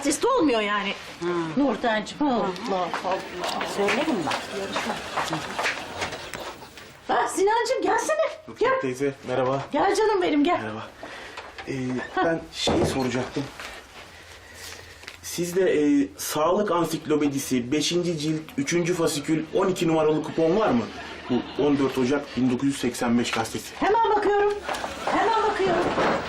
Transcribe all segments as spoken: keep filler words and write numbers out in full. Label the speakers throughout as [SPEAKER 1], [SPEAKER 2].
[SPEAKER 1] artist olmuyor yani. Hmm. Nurten'cim. Allah Allah.
[SPEAKER 2] Söylerim ben. Yarışma.
[SPEAKER 1] Ha, Sinancığım gelsene.
[SPEAKER 3] Rukiye
[SPEAKER 1] Gel.
[SPEAKER 3] teyze merhaba.
[SPEAKER 1] Gel canım benim gel.
[SPEAKER 3] Merhaba. Ee, ben şeyi soracaktım. Sizde e, Sağlık Ansiklopedisi beşinci cilt üçüncü fasikül on iki numaralı kupon var mı? Bu on dört Ocak bin dokuz yüz seksen beş gazetesi.
[SPEAKER 1] Hemen bakıyorum. Hemen bakıyorum.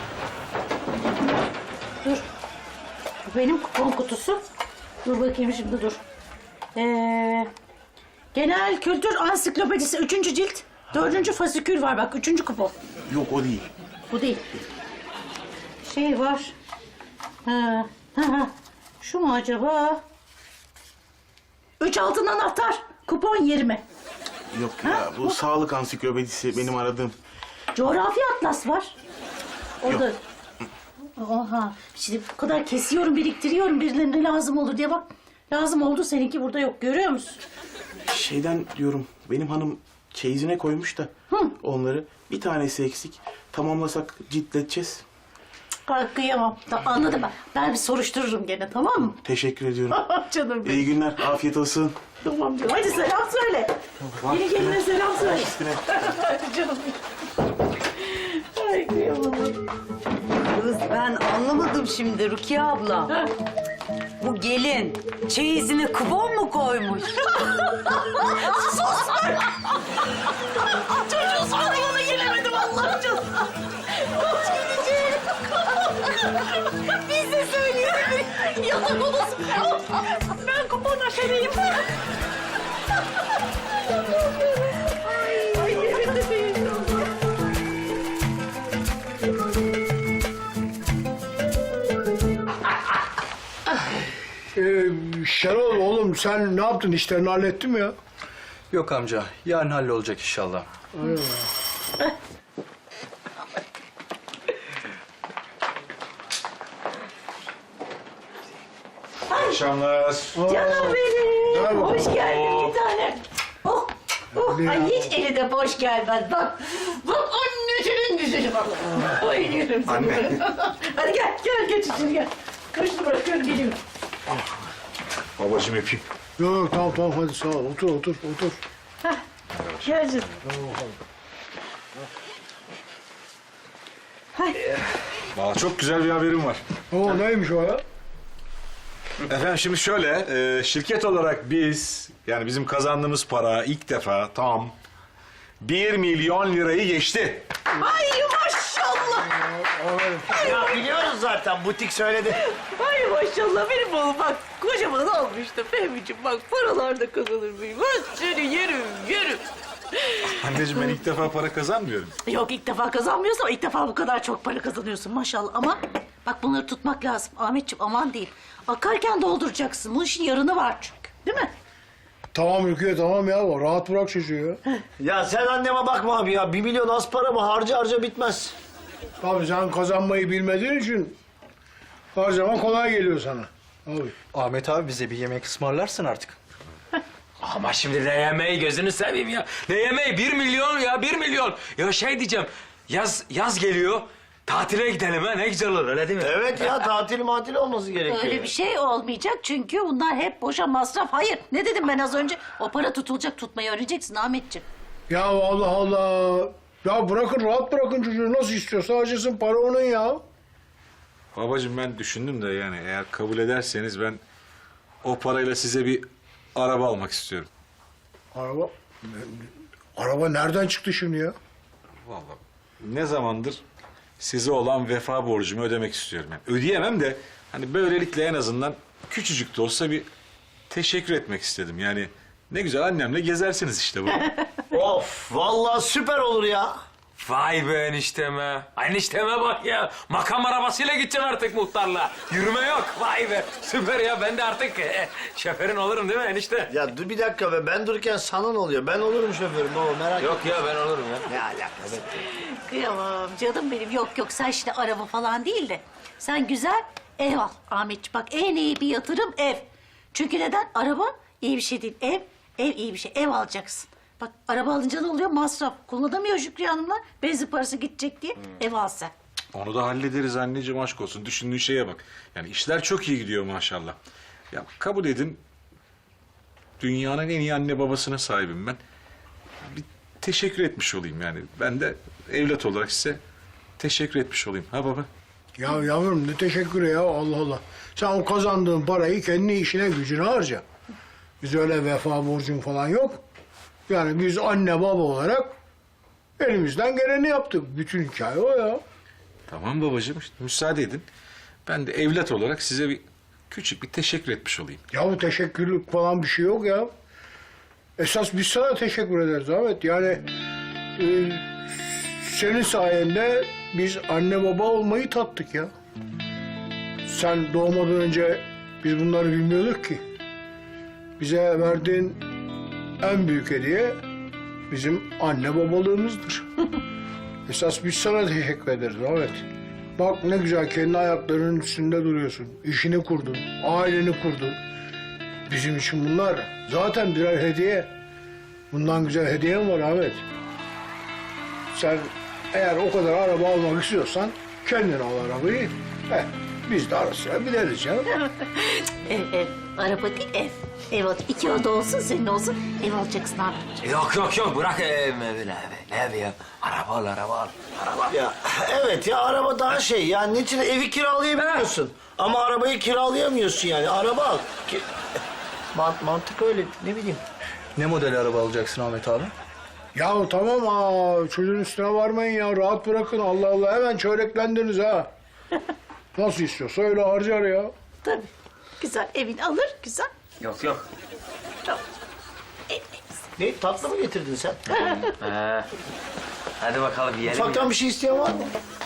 [SPEAKER 1] Dur. Bu benim kupon kutusu. Dur bakayım şimdi dur. Ee, Genel Kültür Ansiklopedisi üçüncü cilt. Dördüncü fasikül var bak. Üçüncü kupon.
[SPEAKER 3] Yok o değil.
[SPEAKER 1] Bu değil. Şey var. Ha, ha, ha. Şu mu acaba? Üç altın anahtar. Kupon yirmi.
[SPEAKER 3] Yok ya bu Sağlık Ansiklopedisi benim aradığım.
[SPEAKER 1] Coğrafi atlas var. O
[SPEAKER 3] Yok.
[SPEAKER 1] da... Oha. Şimdi bu kadar kesiyorum, biriktiriyorum. Birilerine lazım olur diye bak. Lazım oldu, seninki burada yok. Görüyor musun?
[SPEAKER 3] Şeyden diyorum benim hanım çeyizine koymuş da
[SPEAKER 1] Hı.
[SPEAKER 3] onları bir tanesi eksik. Tamamlasak ciltleteceğiz.
[SPEAKER 1] Ay, kıyamam. Ta- anladım ben. Ben bir soruştururum gene, tamam mı?
[SPEAKER 3] Teşekkür ediyorum.
[SPEAKER 1] Canım benim.
[SPEAKER 3] İyi günler, afiyet olsun.
[SPEAKER 1] Tamam canım. Hadi selam söyle. Yeni geline selam söyle.
[SPEAKER 3] Üstüne.
[SPEAKER 1] Canım. Ay kıyamam.
[SPEAKER 2] Kız ben anlamadım şimdi Rukiye abla.
[SPEAKER 1] Ha.
[SPEAKER 2] Bu gelin çeyizine kupon mu koymuş?
[SPEAKER 1] Çocuğun sorumluluğuna gelemedim Allah'ım canım. Biz de söyleyelim. Yalan olasın. Ben kupon aşereyim. Ay, yerinde değil.
[SPEAKER 4] Ee, Şenol oğlum sen ne yaptın? İşlerini hallettin mi ya?
[SPEAKER 5] Yok amca, yarın hallolacak inşallah.
[SPEAKER 6] Akşamlar.
[SPEAKER 1] Canım benim.
[SPEAKER 4] Merhaba.
[SPEAKER 1] Hoş geldin bir tane. Oh, oh. Ay hiç eli de boş gelmez. Bak, bak annesinin güzeli bak. Bayılıyorum sana.
[SPEAKER 6] Anne.
[SPEAKER 1] Hadi gel, gel geç içeri gel. Kaşını bırakıyorum, geliyorum.
[SPEAKER 6] Babacığım öpeyim.
[SPEAKER 4] Yok yok tamam tamam hadi sağ ol. Otur otur otur.
[SPEAKER 1] Hah, gel canım.
[SPEAKER 6] Valla çok güzel bir haberim var.
[SPEAKER 4] Oo neymiş o ya?
[SPEAKER 6] Efendim şimdi şöyle, e, şirket olarak biz, yani bizim kazandığımız para ilk defa tam bir milyon lirayı geçti.
[SPEAKER 1] Ay maşallah.
[SPEAKER 7] Ya biliyoruz zaten, butik söyledi.
[SPEAKER 1] Ay maşallah benim oğlum bak kocaman olmuştu Fehmi'ciğim bak paralar da kazanır mıyım? Ben seni yerim yerim.
[SPEAKER 6] Anneciğim ben ilk defa para kazanmıyorum.
[SPEAKER 1] Yok ilk defa kazanmıyorsun ama ilk defa bu kadar çok para kazanıyorsun maşallah. Ama bak bunları tutmak lazım Ahmetciğim, aman değil. Akarken dolduracaksın. Bu işin yarını var çünkü değil mi?
[SPEAKER 4] Tamam Rukiye tamam ya. Rahat bırak çocuğu ya.
[SPEAKER 7] Ya sen anneme bakma abi ya. Bir milyon az para mı? Harca harca bitmez.
[SPEAKER 4] Tabii sen kazanmayı bilmediğin için harcama kolay geliyor sana. Abi.
[SPEAKER 5] Ahmet abi bize bir yemek ısmarlarsın artık.
[SPEAKER 8] Ama şimdi ne yemeği gözünü seveyim ya. Ne yemeği? Bir milyon ya, bir milyon. Ya şey diyeceğim, yaz yaz geliyor. Tatile gidelim ha, ne güzel olur öyle değil mi?
[SPEAKER 7] Evet ya, tatil matil olması gerekiyor.
[SPEAKER 1] Öyle bir şey olmayacak çünkü bunlar hep boşa masraf. Hayır ne dedim ben az önce? O para tutulacak, tutmayı öğreneceksin Ahmetciğim.
[SPEAKER 4] Ya Allah Allah. Ya bırakın rahat bırakın çocuğu. Nasıl istiyorsa harcasın, para onun ya.
[SPEAKER 6] Babacığım ben düşündüm de yani eğer kabul ederseniz ben o parayla size bir araba almak istiyorum.
[SPEAKER 4] Araba... Araba nereden çıktı şimdi ya?
[SPEAKER 6] Vallahi ne zamandır size olan vefa borcumu ödemek istiyorum. Yani ödeyemem de hani böylelikle en azından küçücük de olsa bir teşekkür etmek istedim. Yani ne güzel annemle gezersiniz işte bu.
[SPEAKER 7] Of, vallahi süper olur ya.
[SPEAKER 8] Vay be enişteme. Enişteme bak ya. Makam arabasıyla gideceksin artık muhtarla. Yürüme yok. Vay be. Süper ya. Ben de artık e, şoförün olurum değil mi enişte?
[SPEAKER 7] Ya dur bir dakika be, ben dururken sana ne oluyor? Ben olurum şoförüm baba, merak etme.
[SPEAKER 8] Yok ya ben olurum ya.
[SPEAKER 7] Ne alakası?
[SPEAKER 1] Kıyamam canım benim. Yok yok sen şimdi araba falan değil de sen güzel ev al Ahmetciğim. Bak en iyi bir yatırım ev. Çünkü neden? Araba iyi bir şey değil. Ev, ev iyi bir şey. Ev alacaksın. Bak araba alınca ne oluyor? Masraf. Kullanamıyor Şükriye Hanımlar. Benzin parası gidecek diye ev al sen.
[SPEAKER 6] Onu da hallederiz anneciğim, aşk olsun. Düşündüğün şeye bak. Yani işler çok iyi gidiyor maşallah. Ya kabul edin, dünyanın en iyi anne babasına sahibim ben. Bir teşekkür etmiş olayım yani. Ben de evlat olarak size teşekkür etmiş olayım. Ha baba?
[SPEAKER 4] Ya yavrum ne teşekkürü ya Allah Allah. Sen o kazandığın parayı kendi işine gücüne harca. Biz öyle vefa borcun falan yok. Yani biz anne baba olarak elimizden geleni yaptık. Bütün hikaye o ya.
[SPEAKER 6] Tamam babacığım, işte müsaade edin. Ben de evlat olarak size bir küçük bir teşekkür etmiş olayım.
[SPEAKER 4] Ya bu teşekkürlük falan bir şey yok ya. Esas biz sana teşekkür ederiz Ahmet. Yani e, senin sayende biz anne baba olmayı tattık ya. Sen doğmadan önce biz bunları bilmiyorduk ki. Bize verdiğin en büyük hediye bizim anne babalığımızdır. Esas biz sana teşekkür ederiz Ahmet. Bak ne güzel kendi ayaklarının üstünde duruyorsun. İşini kurdun, aileni kurdun. Bizim için bunlar zaten birer hediye. Bundan güzel hediye mi var Ahmet? Sen eğer o kadar araba almak istiyorsan kendin al arabayı. Heh, biz de ara sıra bineriz ya.
[SPEAKER 1] Ev, ev. Araba değil, ev. Ev al. İki oda olsun, senin olsun. Ev alacaksın abi.
[SPEAKER 8] Yok yok yok bırak ev mevi ne evi. Ne evi ya? Araba al araba al. Araba.
[SPEAKER 7] Ya evet ya, araba daha şey yani, neticede evi kiralayabiliyorsun. Ama arabayı kiralayamıyorsun yani. Araba al. Ki... Mant mantık öyle, ne bileyim.
[SPEAKER 5] Ne model araba alacaksın Ahmet abi?
[SPEAKER 4] Ya tamam ha, çocuğun üstüne varmayın ya. Rahat bırakın Allah Allah. Hemen çöreklendiniz ha. Nasıl istiyorsa öyle harcar ya.
[SPEAKER 1] Tabii. Güzel, evini alır, güzel.
[SPEAKER 8] Yok yok.
[SPEAKER 1] Tamam. Ev, ev.
[SPEAKER 7] Ne, tatlı mı getirdin sen?
[SPEAKER 8] He. Hadi bakalım yiyelim.
[SPEAKER 7] Ufaktan bir şey isteyen var mı?